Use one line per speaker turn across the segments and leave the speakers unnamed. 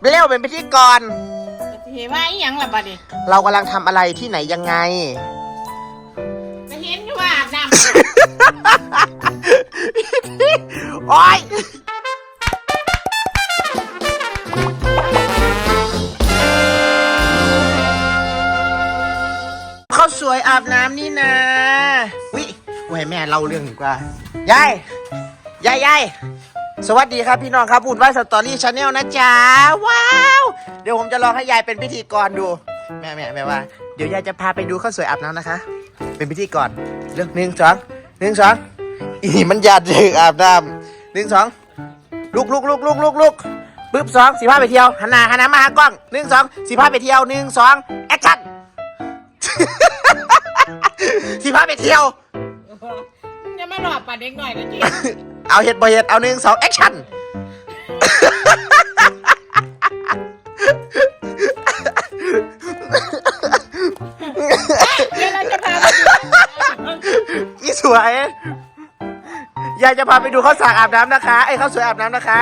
เร็วเป็นพิธีกร
เห็นว่าอีหยังล่ะบัดนี้
เรากำลังทำอะไรที่ไหนยังไง
จะเห็นอยู่ว่าอาบน้ำ
โอ๊ยเขาสวยอาบน้ำนี่นะวิไว้แม่เล่าเรื่องดีกว่ายายสวัสดีครับพี่น้องครับบุญไหว้สตอรี่ชาแนลนะจ๊ะว้าวเดี๋ยวผมจะลองให้ยายเป็นพิธีกรดูแม่ว่าเดี๋ยวยายจะพาไปดูข้าวสวยอาบน้ำนะคะเป็นพิธีกรเรื่อง1 2อีมันยาดเลยอาบน้ำ1 2ลุกปึ๊บ2 15ไปเที่ยวหันหน้ามาหากล้อง1 2 15ไปเที่ยว1 2แอคชั่น15ไปเที่ยว
จะมาหลอกปัดเด็กหน่อยนะจี
เอาเห็ดบ่เห็ดเอา1 2แอคชั่น
เดี๋ยวเราจะพาไปดู
อีสวยยายจะพาไปดูข้าวสากอาบน้ำนะคะไอ้ข้าวสวยอาบน้ำนะคะ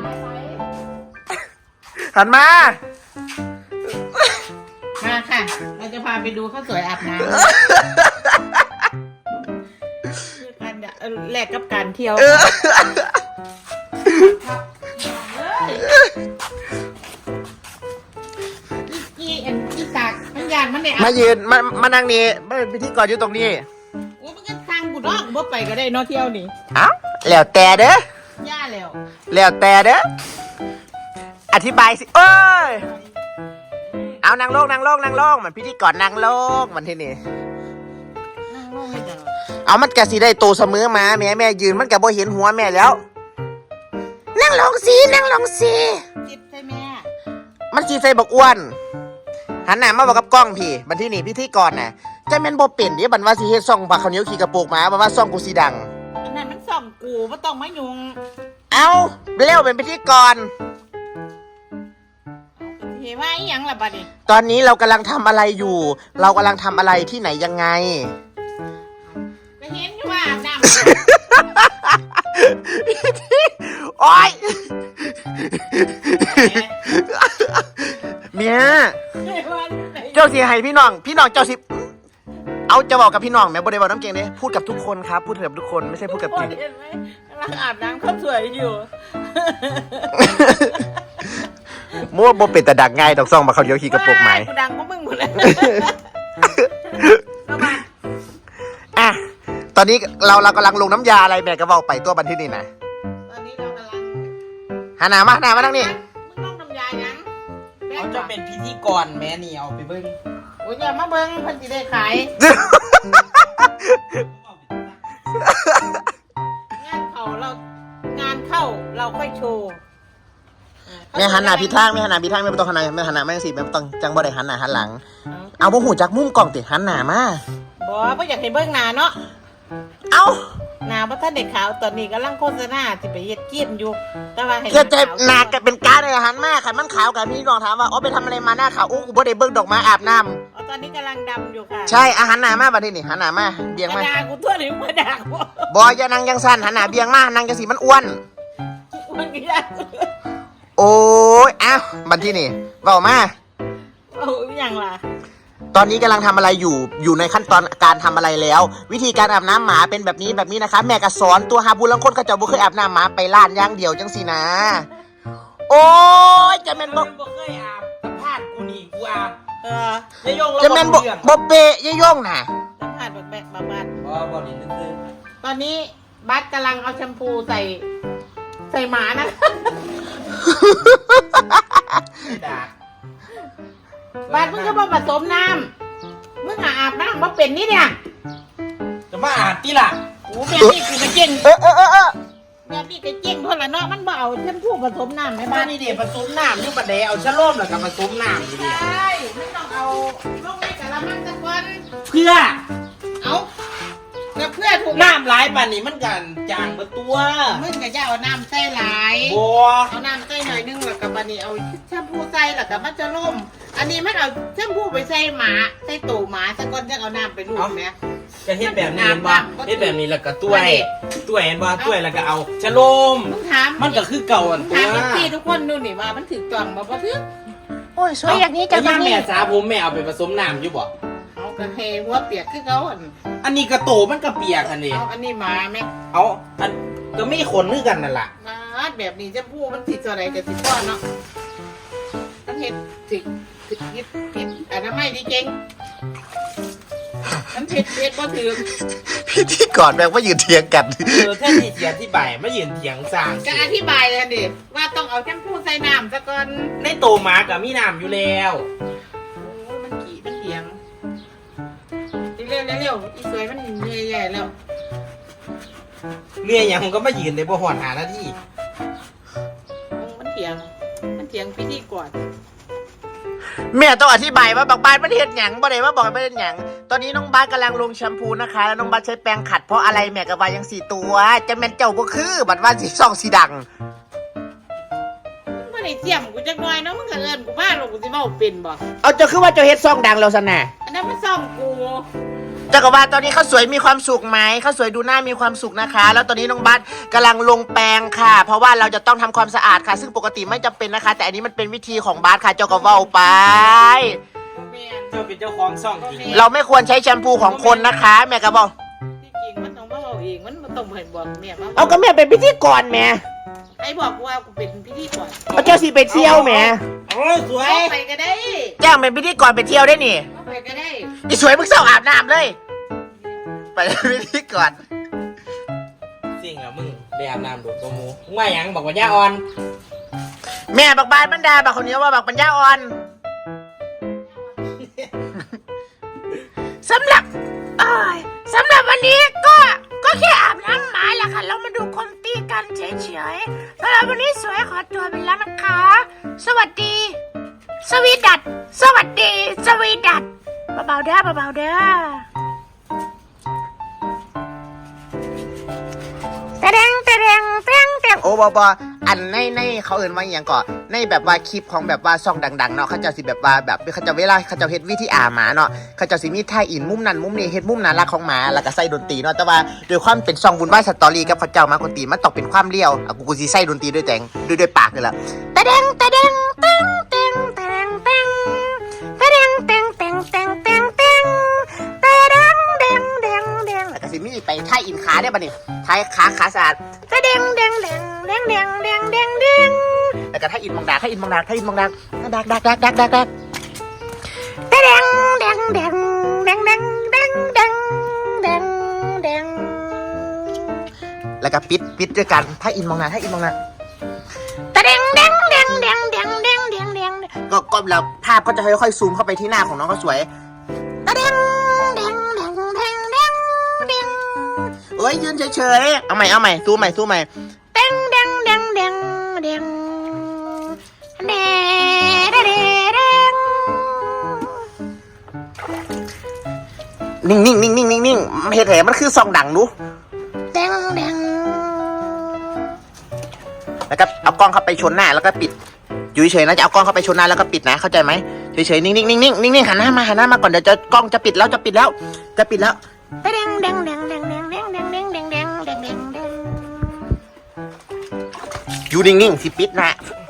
หันมา
ค่ะเราจะพาไปดูข้าวสวยอาบน้ำการแลกกับการเที่ยวอีสากมันยานมันเนี่ย
มายืนมานั่งนี่มาเป็นพิธีกรอยู่ตรงนี้
โอ้มันก็ทางกูดอกบ่ไปก็ได้เนาะเที่ยวนี่
อ้าวแล้วแต่เด้
อย่าแล้ว
แต่เด้ออธิบายสิเอ้ยเอานั่งลงมันพิธีกรนั่งลงมันที่นี่
นั่งลงไม่ได้
เอามันกะสิได้โตเสมอมาแม่ยืนมันกะบ่เห็นหัวแม่แล้วนั่งลงสิ
จิตใช่แม่
มันสิใส่บักอ้วนหันหน้ามาบอกกับกล้องพี่บันที่นี่พิธีกรน่ะจะแม่นบ่เป็นเด้บันว่าสิเฮ็ดซ่องบักข้าวเหนียวขี่กระโปรงหมาบันว่าซ่องกูสิดัง
อันนั้นมันส่องกูบ่ต้องมายุง
เอาเร็วเป็นพิธีกร
เห็นว่าอีหยังล่ะบัดนี้
ตอนนี้เรากำลังทำอะไรอยู่เรากำลังทำอะไรที่ไหนยังไง
จะเห็นอยู่ว่าอาบน้ำ
โอ๊ยเมียเจ้าสิให้พี่น้องเจ้าสิเอาจะบอกกับพี่น้องแม่บ่ได้บอกน้ำเก่งเนี่ยพูดกับทุกคนครับพูดกับทุกคนไม่ใช่พูดกับจริง
กำลังอาบน้ำข้าวสวยอยู่
มั่วบ่เป็นแต่ดักง่ายดอกซ่องมาเขาเดียวขี่กระโปรงไหม
กูดังก็มึงหมดเลย
อ่ะตอนนี้เรากำลังลงน้ำยาอะไรแม่ก็บอกไปตัวบันที่นี่นะ
ตอนนี้เรากำลัง
หาหน้ามานั่งนี่
มึงลงน้ำยายัง
เขาจะเป็นพิธีกรแม่นี่เอาไปเบิ้ง
โอ้ยอย่ามาเบิ้งเพิ่นสิได้ขายงานเข้าเราค่อยโชว์
แม่หันหน้าพิทางไม่ต้องหันหน้าแม่หันหน้าแม่สิแม่ต้องจังบ่ได้หันหน้าหันหลังเอาบ่หูจักมุมกล้องติหันหน้ามา
บ่อยากให้เบิ้งหน้าเนาะ
เอา
หน้าบ่ทันได้ขาวตอนนี้กำลังโฆษณาสิไปเฮ็ดเกียมอยู่แต่ว่าให้
เฮ็ดใจหน้าก็เป็นการเลยหันมาคันมันขาวกันพี่น้องถามว่าอ๋อไปทำอะไรมาหน้าขาวโอ้กูบ่ได้เบิ่งดอกไม้อาบน้
ำตอนนี้กำลังดำอยู่ค่ะ
ใช่หันหน้ามาบัดนี้นี่หันหน้ามาเบี่ยงมา
ด่ากูทั่วหรือมาด่ากู
บ่อย่านั่งจังซั่นหันหน้าเบี่ยงมานั่งจังสิมันอ้วน
ก็ยาก
โอ้ยอ้าวบัดที่นี่เว้ามา
เอาอย่างล่ะ
ตอนนี้กำลังทำอะไรอยู่ในขั้นตอนการทำอะไรแล้ว วิธีการอาบน้ำหมาเป็นแบบนี้นะคะแม่ก็สอนตัวหาบุญลังคนเขาจะบ่เคยอาบน้ำหมาไปล้านย่างเดียวจังสินะโอ้ยจะแม่นบ่
เคยอาบสัมภาษณ์กูนี่กูอาบยายยง
จะแม่นบ่เปะยายยงน่ะ
สัมภาษณ์แบบบ้าน
บ่นี่ซื่อ
ตอนนี้บัสกำลังเอาแชมพูใส่หมานะบัสมึงก็มาผสมน้ำมึงอาบน้ำมาเป็นนี่เนี่ย
จะมาอาบที่ล่ะ
โอ้แบบนี้คือเก่งแบบนี้ก็เก่งเท่าไหร่เนาะมันบ่เอาแชมพูผสมน้ำไหมบ้าน
นี่เดี๋ยวผสมน้ำอยู่บัดเดี๋ยวเอาชะโลมแล้วก็ผสมน้ำอยู่ดิ
ใช่ไม่ต้องเอาลงในกะละมังสักวัน
เพื่อ
เอาเพื่อถูก
น้ำหลายป่านนี้มันกันจางมาตัว
มึงก็จะเอาน้ำใส่หลาย
บัว
เอาน้ำใส่หน่อยนึงแล้วก็บัดนี้เอาแชมพูใส่แล้วก็มันจะล่มอันนี้มันเอาแชมพูไปใส่หมาใส่ตู่หมาสักก้อนจะเอาน้ำไปลูบไหม
ก็เฮ็ดแบบนี้เห็นบ่เฮ็ดแบบนี้แล้วก็ต้วยเห็นบ่ต้วยแล้วก็เอาชะโลม
มึงถาม
มันก็คือเก่าอันตั
ถาม
ว
พี่ทุกคนดูนี่ว่ามันถือต้องบ่ถือ
โอ้ยสวยอย่างนี้จะ
แล้ว
มา
แม่สาผมแม่เอาไปผสมน้ำอยู่บ่
เอากระเฮหัวเปียกคือเขาอัน
อันนี้กระโตมันก็เปียกอันนี้
เอาอันนี้มาแม่
เอาอันก็ไม่ขนคือกันนั่นล่ะ
มาแบบนี้จะพูดมันติดอะไรกับติดก้อนเนาะมันเห็ดถึงผิดอนามัยดีเก่งมันเผ็ดบ่ถือ
พิธีกรแม่งว่ายืนเถียงกัน
แท่ที่เสียที่ใบไม่ยืนเถียงสร้าง
จะอธิบายเลยดิว่าต้องเอาแชมพูใส่น้ำซะก่อน
ในโตหมากับมีน้ำอยู่แล้ว
โอ้ยมันขี่มันเถียงเร็วอีสวยมันเหนื่อยใหญ่แล้ว
เมียยังก็มายืนในบ่หอนหาหน้าที่
มันเถียงพิธีก่อน
แม่ต้องอธิบายว่าบางบ้านมันเห็นหยังบ่ได้ว่าบอกไม่เห็นหยังตอนนี้น้องบาสกำลังลงแชมพูนะคะแล้วน้องบาสใช้แปรงขัดเพราะอะไรแม่กับวายัง4ตัวจะแม่นเจ้าบ่คือบัดว่าสีส่องสีดัง
มึงไม่ได้เจียมกูจักหน่อยเนาะมึงก็เอิ้นกูมาหรอกกูสิเว้าเป็นบ่
เอาเจ้าคือว่าเจ้าเฮ็ดซ่องดังแล้วซะน่ะ
อันนั้นมันซ่อมกู
เจ้ากับว่าตอนนี้เขาสวยมีความสุขไหมเขาสวยดูหน้ามีความสุขนะคะ แล้วตอนนี้น้องบาสกำลังลงแปรงค่ะ เพราะว่าเราจะต้องทำความสะอาดค่ะ ซึ่งปกติไม่จำเป็นนะคะ แต่อันนี้มันเป็นวิธีของบาสค่ะเจ้าก็เว้าไป
แม่น
เจ้าเป็นเจ้าของซ่องจริง
เราไม่ควรใช้แชมพูของคนนะคะ แม่ก็บอก
ที่จริงมันต้องมาเอาเองมันบ่ต้องเห็นบอกแม่มา
เอาก็แม่เป็นพิธีกรแม่
ไอ้บอกกูว่ากูเป็นพิธีก่อน
เอาเจ้าสิไปเที่ยวแม่
โอ้สวย
เอาไปก็ได้
แจ้งเป็นพิธีกรไปเที่ยวได้นี่
เอาไปก็ได้
อีสวยมึงเศร้าอาบน้ำเลย ไปพิธีกร
สิ่งอะมึงไปอาบน้ำดูดตัวหมูมึงว่าหยังบอกว่าย่าอ่อน
แม่บักบานบรรดาบักคนนี้ว่าบักปัญญาอ่อน สำหรับสำหรับวันนี้ก็แค่อาบน้ำหมาแหละค่ะเรามาดูคนตีกันเฉยๆสำหรับวันนี้สวยขอตัวไปแล้วนะคะ สวัสดี สวีดัตสวัสดี สวีดัตเบาๆเด้อเบาๆเด้อโอ้บออันในเขาเอื่นว่าอย่างก่อนในแบบว่าคลิปของแบบว่าซองดังๆเนาะเขาจะสิแบบว่าแบบเขาจะเวลาเขาจะเฮ็ดวิธีอาหมาเนาะเขาจะสิมีท่าอินมุมนั้นมุมนี้เฮ็ดมุมน่ารักของหมาแล้วก็ใส่ดนตรีเนาะแต่ว่าด้วยความเป็นซองบุญไหว้สตอรี่กับเขาเจ้ามาคนตีมันต้องเป็นความเลี้ยวอ่ะกูสิใส่ดนตรีด้วยด้วยปากนี่แหละตะเด้งตะเด้งเต็งเต็งตะเด้งเต็งตะเด้งเต็งเต็งเต็งเต็งเต็งตะเด้งเด้งเด้งเด้งแล้วก็สิมีไปท่าอินขาได้ป่ะนี่ท่าขาสะอาดตะเด้งเด้งเด้งเด้งเด้งเด้งเด้งเด้งแล้วก็ท่าอินมองดาท่าอินมองดาท่าอินมองดาดักตะเด้งเด้งเด้งเด้งเด้งเด้งเด้งเด้งเด้งเด้งแล้วก็ปิดด้วยกันท่าอินมองดาท่าอินมองดาตะเด้งเด้งเด้งเด้งเด้งเด้งเด้งเด้งก็แล้วภาพก็จะค่อยๆซูมเข้าไปที่หน้าของน้องก็สวยตะเด้งเด้งเด้งเด้งเด้งเด้งเอ้ยยืนเฉยๆเอาใหม่ซูมใหม่เด้งเด้งเด้งเด้งเด้งเด้เด้เด้งนิ่งเฮ็ดแหมันคือซองดังดูเด้งเด้งแล้วก็เอากล้องเข้าไปชนหน้าแล้วก็ปิดอยู่เฉยๆนะจะเอากล้องเข้าไปชนหน้าแล้วก็ปิดนะเข้าใจไหมเฉยๆนิ่งหันหน้ามาก่อนเดี๋ยวจะกล้องจะปิดแล้วเด้งอยู่นิ่งๆสิปิดนะ